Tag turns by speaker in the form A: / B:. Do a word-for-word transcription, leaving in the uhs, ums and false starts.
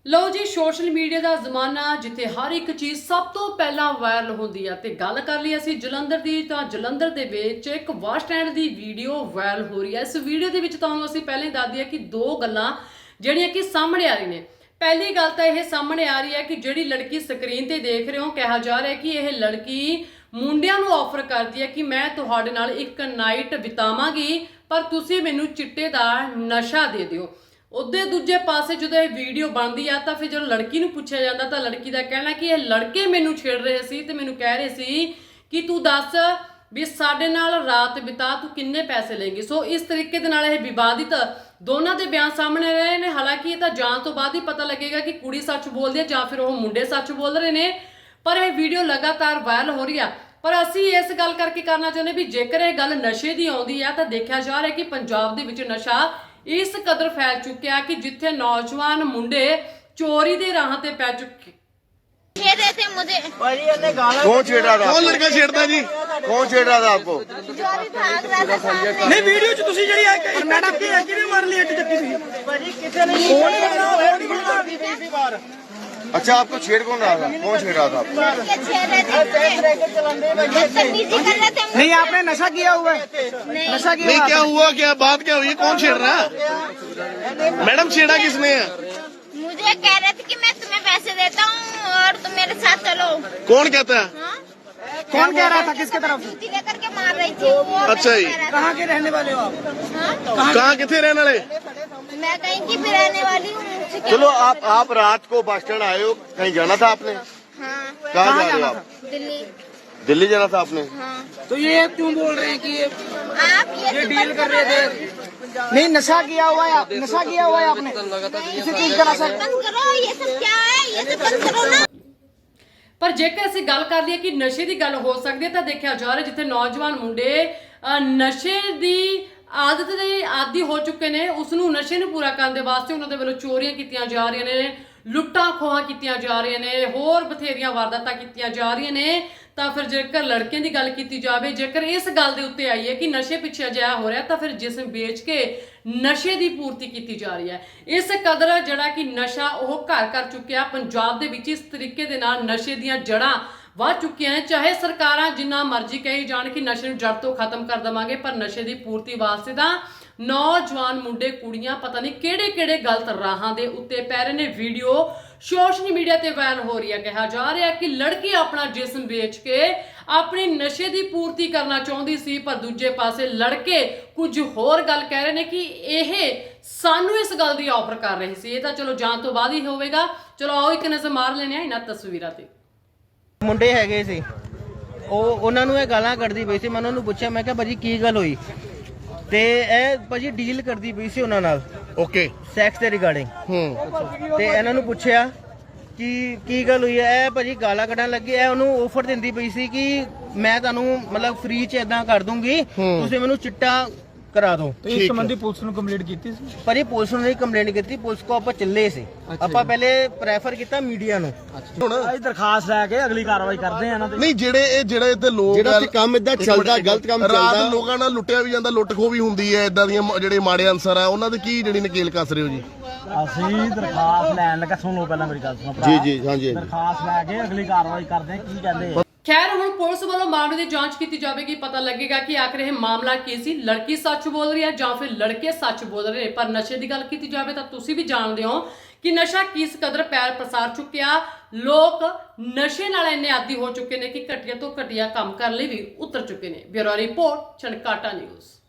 A: लो जी social media का जमाना जिथे हर एक चीज़ सब तो पहला वायरल होंदी है। ते गल कर ली असी जलंधर की, तो जलंधर दे विच एक बस स्टैंड की वीडियो वायरल हो रही है। इस वीडियो के विच तुहानूं असी पहले दस दिया कि दो गल्लां जिहड़ियां कि सामने आ रही ने। पहली गल तो यह सामने आ रही है कि जिहड़ी लड़की स्क्रीन ते देख रहे हो, कहा जा रहा है कि यह लड़की मुंडियां नूं ऑफर करती है कि मैं तुहाडे नाल एक नाइट बितावांगी पर तुसीं मैनूं चिट्टे दा नशा दे दिओ। उधर दूजे पासे जो वीडियो बनती है तो फिर जो लड़की नूं पूछा जाता तो लड़की का कहना कि यह लड़के मैनू छेड़ रहे सी ते मैनू कह रहे सी कि तू दस भी साडे नाल रात बिता, तू किन्ने पैसे लेंगी। सो इस तरीके दे नाल यह विवादित दोनों के बयान सामने रहे हैं। हालांकि ये तो जान तो बाद ही पता लगेगा कि कुड़ी सच बोलती है या फिर वो मुंडे सच बोल रहे हैं, पर यह वीडियो लगातार वायरल हो रही है। पर असी इस गल करके करना चाहते भी जेकर यह गल नशे की आउंदी है तो देखा जा रहा है कि पंजाब दे विच नशा इस कदर फैल चुकिया कि जिथे नौजवान मुंडे चोरी के राह ते पै चुके।
B: थे मुझे
C: कौन छेड़ रहा था? कौन लड़का छेड़ता जी? कौन छेड़ रहा था आपको?
B: जो भी भाग रहा था सामने।
D: नहीं वीडियो च तुसी जड़ी है मैडम की है किने मार ली एक चक्की सी भाजी किसे नहीं कौन है?
C: अच्छा, आपको छेड़ कौन रहा था? कौन छेड़ रहा था आपको?
B: लड़के छेड़ रहे थे, बदतमीजी कर रहे थे।
D: नहीं आपने नशा किया हुआ है?
B: नहीं,
D: नशा किया
E: नहीं,
D: हुआ
E: क्या हुआ? क्या बात क्या हुई? कौन छेड़ रहा है? मैडम छेड़ा किसने है?
B: मुझे कह रहे थे कि मैं तुम्हें पैसे देता हूँ और तुम मेरे साथ चलो।
E: कौन कहता है?
B: हाँ?
D: कौन कह रहा था? किसके तरफ?
B: जूती लेकर के मार रही थी वो।
E: अच्छा जी।
B: कह रहा था।
D: कहाँ के रहने वाले हो आप?
B: हाँ?
E: कहाँ किथे रहने वाले?
B: मैं कहीं की भी रहने वाली हूँ। मुझसे क्या-
C: चलो, आप आप रात को बस स्टैंड आए हो, कहीं जाना था आपने?
B: हाँ,
C: कहाँ जा रहे हो आप?
B: दिल्ली।
C: दिल्ली जाना था आपने?
B: हाँ,
D: तो ये क्यों बोल रहे हैं कि ये
B: आप ये
D: ये
B: सब
D: डील
B: बंद
D: कर रहे
B: करो।
D: थे? नहीं नशा किया हुआ है आप? नशा किया हुआ है आपने किसी चीज का नशा?
B: बंद करो, ये सब क्या है, ये सब बंद करो ना।
A: पर जेकर ਅਸੀਂ ਗੱਲ ਕਰ ਲਈਏ ਕਿ ਨਸ਼ੇ ਦੀ ਗੱਲ ਹੋ ਸਕਦੀ ਹੈ ਤਾਂ ਦੇਖਿਆ ਜਾ ਰਿਹਾ ਜਿੱਥੇ ਨੌਜਵਾਨ ਮੁੰਡੇ ਅ, ਨਸ਼ੇ ਦੀ ਆਦਤ ਦੇ ਆਦੀ ਹੋ ਚੁੱਕੇ ਨੇ, ਉਸ ਨੂੰ ਨਸ਼ੇ ਨੂੰ ਪੂਰਾ ਕਰਨ ਦੇ ਵਾਸਤੇ ਉਹਨਾਂ ਦੇ ਵੱਲੋਂ ਚੋਰੀਆਂ ਕੀਤੀਆਂ ਜਾ ਰਹੀਆਂ ਨੇ, ਲੁੱਟਾਂ ਖੋਹਾਂ ਕੀਤੀਆਂ ਜਾ ਰਹੀਆਂ ਨੇ, ਹੋਰ ਬਥੇਰੀਆਂ ਵਾਰਦਾਤਾਂ ਕੀਤੀਆਂ ਜਾ ਰਹੀਆਂ ਨੇ। ਤਾਂ ਫਿਰ ਜੇਕਰ ਲੜਕਿਆਂ ਦੀ ਗੱਲ ਕੀਤੀ ਜਾਵੇ, ਜੇਕਰ ਇਸ ਗੱਲ ਦੇ ਉੱਤੇ ਆਈਏ ਕਿ ਨਸ਼ੇ ਪਿੱਛੇ ਅਜਿਹਾ ਹੋ ਰਿਹਾ ਤਾਂ ਫਿਰ ਜਿਸਮ ਵੇਚ ਕੇ ਨਸ਼ੇ ਦੀ ਪੂਰਤੀ ਕੀਤੀ ਜਾ ਰਹੀ ਹੈ। ਇਸ ਕਦਰ ਜਿਹੜਾ ਕਿ ਨਸ਼ਾ ਉਹ ਘਰ ਕਰ ਚੁੱਕਿਆ ਪੰਜਾਬ ਦੇ ਵਿੱਚ। ਇਸ ਤਰੀਕੇ ਦੇ ਨਾਲ ਨਸ਼ੇ ਦੀਆਂ ਜੜ੍ਹਾਂ ਵੱਧ ਚੁੱਕੀਆਂ ਨੇ। ਚਾਹੇ ਸਰਕਾਰਾਂ ਜਿੰਨਾ ਮਰਜ਼ੀ ਕਹੀ ਜਾਣ ਕਿ ਨਸ਼ੇ ਨੂੰ ਜੜ ਤੋਂ ਖਤਮ ਕਰ ਦੇਵਾਂਗੇ, ਪਰ ਨਸ਼ੇ ਦੀ ਪੂਰਤੀ ਵਾਸਤੇ ਤਾਂ ਨੌਜਵਾਨ ਮੁੰਡੇ ਕੁੜੀਆਂ ਪਤਾ ਨਹੀਂ ਕਿਹੜੇ ਕਿਹੜੇ ਗਲਤ ਰਾਹਾਂ ਦੇ ਉੱਤੇ ਪੈ ਰਹੇ ਨੇ। ਵੀਡੀਓ ਸੋਸ਼ਲ ਮੀਡੀਆ ਤੇ ਵਾਇਰਲ ਹੋ ਰਹੀ ਹੈ। ਕਿਹਾ ਜਾ ਰਿਹਾ ਕਿ ਲੜਕੀ ਆਪਣਾ ਜਿਸਮ ਵੇਚ ਕੇ ਆਪਣੀ ਨਸ਼ੇ ਦੀ ਪੂਰਤੀ ਕਰਨਾ ਚਾਹੁੰਦੀ ਸੀ, ਪਰ ਦੂਜੇ ਪਾਸੇ ਲੜਕੇ ਕੁਝ ਹੋਰ ਗੱਲ ਕਹਿ ਰਹੇ ਨੇ ਕਿ ਇਹ ਸਾਨੂੰ ਇਸ ਗੱਲ ਦੀ ਆਫਰ ਕਰ ਰਹੇ ਸੀ। ਇਹ ਤਾਂ ਚਲੋ ਜਾਣ ਤੋਂ ਬਾਅਦ ਹੀ ਹੋਵੇਗਾ। ਚਲੋ ਆਓ ਇੱਕ ਨਜ਼ਰ ਮਾਰ ਲੈਣੇ ਆ ਇਹਨਾਂ ਤਸਵੀਰਾਂ ਤੇ।
F: ਮੁੰਡੇ ਹੈਗੇ ਸੀ, ਉਹ ਉਹਨਾਂ ਨੂੰ ਇਹ ਗਾਲਾਂ ਕੱਢਦੀ ਪਈ ਸੀ। ਮੈਂ ਉਹਨਾਂ ਨੂੰ ਪੁੱਛਿਆ, ਮੈਂ ਕਿਹਾ ਭਾਜੀ ਕੀ ਗੱਲ ਹੋਈ? ਤੇ ਇਹ ਭਾਜੀ ਡੀਲ ਕਰਦੀ ਪਈ ਸੀ ਉਹਨਾਂ ਨਾਲ
E: ओके।
F: ਸੈਕਸ ਦੇ ਰਿਗਾਰਡਿੰਗ।
E: हम्म।
F: ਤੇ ਇਹਨਾਂ ਨੂੰ ਪੁੱਛਿਆ ਕਿ ਕੀ ਗੱਲ ਹੋਈ ਹੈ? ਇਹ ਭਾਜੀ ਗਾਲਾਂ ਕੱਢਣ ਲੱਗੇ। ਇਹ ਉਹਨੂੰ ਆਫਰ ਦਿੰਦੀ ਪਈ ਸੀ ਕਿ ਮੈਂ ਤੁਹਾਨੂੰ ਮਤਲਬ ਫ੍ਰੀ ਚ ਇਦਾਂ ਕਰ ਦੂੰਗੀ, ਤੁਸੀਂ ਮੈਨੂੰ ਚਿੱਟਾ ਕਰਾ ਦਿਓ।
D: ਇਸ ਸੰਬੰਧੀ ਪੁਲਿਸ ਨੂੰ ਕੰਪਲੀਟ ਕੀਤੀ ਸੀ?
F: ਪਰ ਇਹ ਪੁਲਿਸ ਨੂੰ ਨਹੀਂ ਕੰਪਲੇਂਟ ਕੀਤੀ, ਪੁਲਿਸ ਕੋ ਆਪਾਂ ਚੱਲੇ ਸੀ। ਆਪਾਂ ਪਹਿਲੇ ਪ੍ਰੈਫਰ ਕੀਤਾ ਮੀਡੀਆ ਨੂੰ।
D: ਅਸੀਂ ਦਰਖਾਸਤ ਲੈ ਕੇ ਅਗਲੀ ਕਾਰਵਾਈ ਕਰਦੇ ਆ ਨਾ।
E: ਨਹੀਂ, ਜਿਹੜੇ ਇਹ ਜਿਹੜੇ ਇੱਥੇ ਲੋਕ
C: ਜਿਹੜਾ ਇੱਥੇ ਕੰਮ ਏਦਾਂ ਚੱਲਦਾ, ਗਲਤ ਕੰਮ
E: ਰਾਤ
C: ਚੱਲਦਾ।
E: ਲੋਕਾਂ ਨਾਲ ਲੁੱਟਿਆ ਵੀ ਜਾਂਦਾ, ਲੁੱਟ ਖੋਹ ਵੀ ਹੁੰਦੀ ਹੈ। ਇਦਾਂ ਦੀਆਂ ਮ- ਜਿਹੜੇ ਮਾੜੇ ਅਨਸਰ ਆ ਉਹਨਾਂ ਦੇ ਕੀ ਜਿਹੜੀ ਨਕੇਲ ਕੱਸ ਰਹੇ ਹੋ ਜੀ?
D: ਅਸੀਂ ਦਰਖਾਸਤ ਲੈਣ ਲੱਗਾ, ਸੁਣ ਲਓ ਪਹਿਲਾਂ ਮੇਰੀ ਗੱਲ ਸੁਣੋ ਭਰਾ।
C: ਜੀ ਜੀ ਹਾਂਜੀ।
D: ਦਰਖਾਸਤ ਲੈ ਕੇ ਅਗਲੀ ਕਾਰਵਾਈ ਕਰਦੇ ਆ। ਕੀ ਕਹਿੰਦੇ ਆ?
A: ਖੈਰ ਹੁਣ ਪੁਲਿਸ ਵੱਲੋਂ ਮਾਮਲੇ ਦੀ ਜਾਂਚ ਕੀਤੀ ਜਾਵੇਗੀ, ਪਤਾ ਲੱਗੇਗਾ ਕਿ ਆਖਰ ਇਹ ਮਾਮਲਾ ਕੀ ਸੀ। ਲੜਕੀ ਸੱਚ ਬੋਲ ਰਹੀ ਹੈ ਜਾਂ ਫਿਰ ਲੜਕੇ ਸੱਚ ਬੋਲ ਰਹੇ ਨੇ। ਪਰ ਨਸ਼ੇ ਦੀ ਗੱਲ ਕੀਤੀ ਜਾਵੇ ਤਾਂ ਤੁਸੀਂ ਵੀ ਜਾਣਦੇ ਹੋ ਕਿ ਨਸ਼ਾ ਕਿਸ ਕਦਰ ਪੈਰ ਪਸਾਰ ਚੁੱਕਿਆ। ਲੋਕ ਨਸ਼ੇ ਨਾਲ ਇੰਨੇ ਆਦੀ ਹੋ ਚੁੱਕੇ ਨੇ ਕਿ ਘਟੀਆ ਤੋਂ ਘਟੀਆ ਕੰਮ ਕਰਨ ਲਈ ਵੀ ਉਤਰ ਚੁੱਕੇ ਨੇ। ਬਿਊਰੋ ਰਿਪੋਰਟ, ਚਨਕਾਟਾ ਨਿਊਜ਼।